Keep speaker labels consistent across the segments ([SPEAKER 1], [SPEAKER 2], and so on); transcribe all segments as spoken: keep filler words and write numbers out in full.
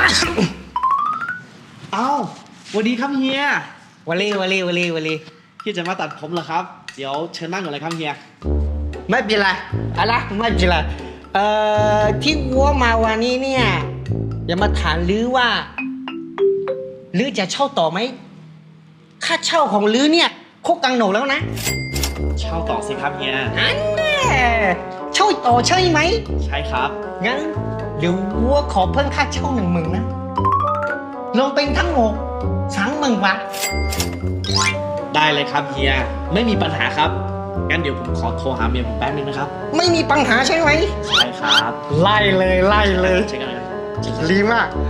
[SPEAKER 1] เอ้าสวัสดีครับเฮียว
[SPEAKER 2] ลีวลีวลีวลี
[SPEAKER 1] ที่จะมาตัดผมเหรอครับเดี๋ยวเชิญนั่งก่อนเลยครับเฮีย
[SPEAKER 2] ไม่เป็นไรอะไรไม่เป็นไรเอ่อที่วัวมาวันนี้เนี่ยอย่ามาถามลือว่าลือจะเช่าต่อไหมค่าเช่าของลือเนี่ยโคกกังโหนกแล้วนะ
[SPEAKER 1] เช่าต่อสิครับเฮีย
[SPEAKER 2] อันแน่เช่าต่อใช่ไหม
[SPEAKER 1] ใช่ครับ
[SPEAKER 2] งั้นเดี๋ยววัวขอเพิ่มค่าเช่าหนึ่งหมื่นนะลงเป็นทั้งหมดสามหมื่นบาท
[SPEAKER 1] ได้เลยครับเฮียไม่มีปัญหาครับงั้นเดี๋ยวผมขอโทรหาเมียผมแป๊บนึงนะครับ
[SPEAKER 2] ไม่มีปัญหาใช่ไหม
[SPEAKER 1] ใช่ครับ
[SPEAKER 2] ไล่เลยไล่เลย
[SPEAKER 1] ใช่กันเลย
[SPEAKER 2] ดีมาก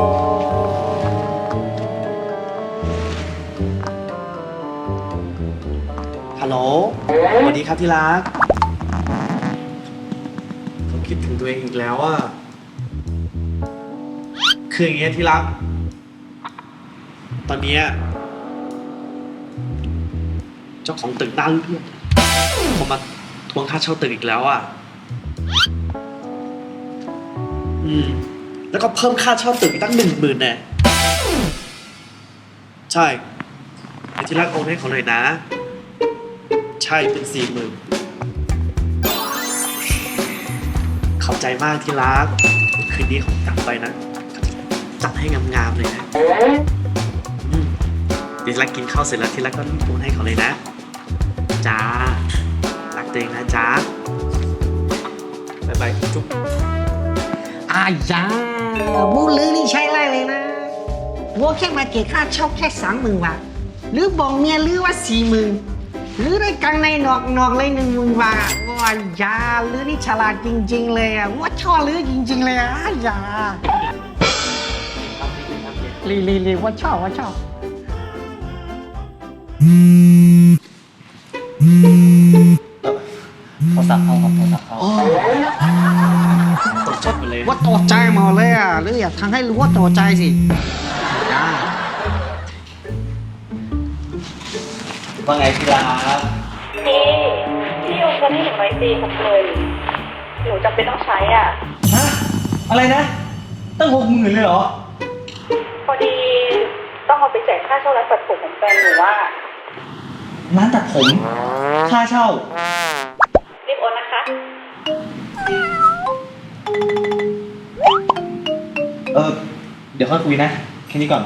[SPEAKER 1] ฮัลโหลสวัสดีครับที่รักผมคิดถึงตัวเองอีกแล้วอ่ะคืออย่างเงี้ยที่รักตอนนี้เจ้าของตึกด้านเพื่อนผมมาทวงค่าเช่าตึกอีกแล้วอ่ะอืมแล้วก็เพิ่มค่าเช่าตึกอีกตั้งหนึ่งหมื่นแน่ใช่ไอ้ที่รักโอนให้เขาหน่อยนะใช่เป็นสี่หมื่นขอบใจมากที่รักคืนนี้ผมกลับไปนะจัดให้งามๆเลยนะอืมเดี๋ยวที่รักกินข้าวเสร็จแล้วที่รักก็โอนให้เขาเลยนะจ้ารักตัวเองนะจ้าบายบายจุ๊บ
[SPEAKER 2] อายามูลือนี่ใช่ไรเลยนะวัวแค่มาเก็บค่าเช่าแค่สามหมื่นบาทหรือบอกเมียหรือว่าสี่หมื่นหรือได้กังในนอกนอกเลยหนึ่งหมื่นบาทว้ายาหรือนี่ฉลาดจริงๆเลยอ่ะว่าชอบหรือจริงๆเลยอ่ะยาลีลีลีว่าชอบว่าชอบ
[SPEAKER 1] โทรศัพท์เขาครับโทรศัพท์เขาตกใจหมดเลย
[SPEAKER 2] ว่าตกใจหมดเลยอ่ะหรืออยากทำให้รู้ว่าตกใจสิยา
[SPEAKER 1] ว่าไงพี่รัก
[SPEAKER 3] พี่พี่โอนเงินให้หนูไว้ตีหกหมื่นหนูจำเป็นต้องใช้อ่ะ
[SPEAKER 1] ฮะอะไรนะตั้งหกหมื่นเลยเหรอ
[SPEAKER 3] พอดีต้องเอาไปจ่ายค่าเช่าร้านตัดผมของแฟนหนูว่า
[SPEAKER 1] ร้านตัดผมค่าเช่า
[SPEAKER 3] รีบโอนนะคะ
[SPEAKER 1] เออเดี๋ยวค่อยคุยนะแค่นี้ก่อน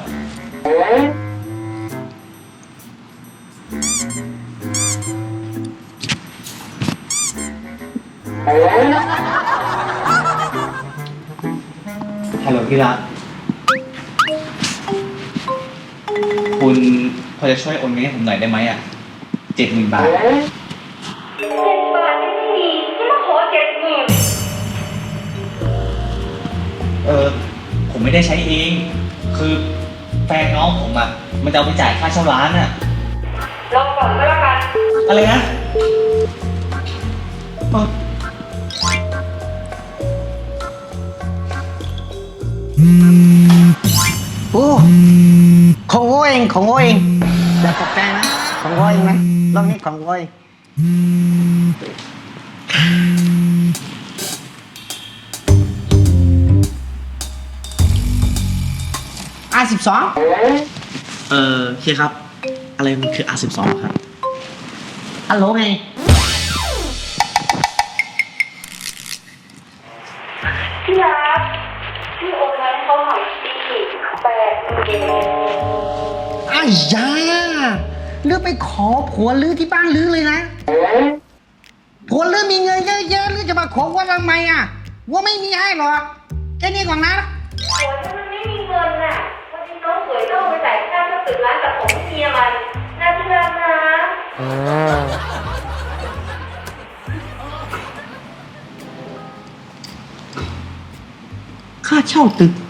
[SPEAKER 1] ฮัลโหลพี่รักคุณพอจะช่วยโอนเงินให้ผมหน่อยได้ไหมอ่ะเจ็ดหมื่นบาทเจ็ด
[SPEAKER 3] บาทไม่มีที่มาขอเจ็ดหมื่น
[SPEAKER 1] เออผมไม่ได้ใช้เองคือแฟนน้องผมอ่ะมันจะเอาไปจ่ายค่าเช่าร้านอ่ะ
[SPEAKER 3] รอก่อนก็แล้วกัน
[SPEAKER 1] อะไรนะ
[SPEAKER 2] โอ้ของโง่เองของโง่เองอย่าตกใจนะของโง่เองนะรอบนี้ของโง่เองอาสิบสอง
[SPEAKER 1] เออเฮียครับอะไรมันคือ อาร์ สิบสอง ครับ
[SPEAKER 2] ฮัลโหลไง
[SPEAKER 3] พี่รักพี่โอนเงินให้เขาหน่อยสิแปดหมื่น
[SPEAKER 2] อ้ายาลือไปขอผัวลือที่บ้านลือเลยนะผัวลือมีเงินเยอะๆลือจะมาขอว่าทำไมอ่ะว่าไม่มีให้หรอกแค่นี้ก่อนนะ
[SPEAKER 3] ผัวฉันมันไม่มีเงินน่ะวันนี้น้องสวยต้องไปจ่ายค่าเช่าตึกร้านตัดผมให้เมียมันน่าที่รักนะ
[SPEAKER 2] ค่าเช่าตึก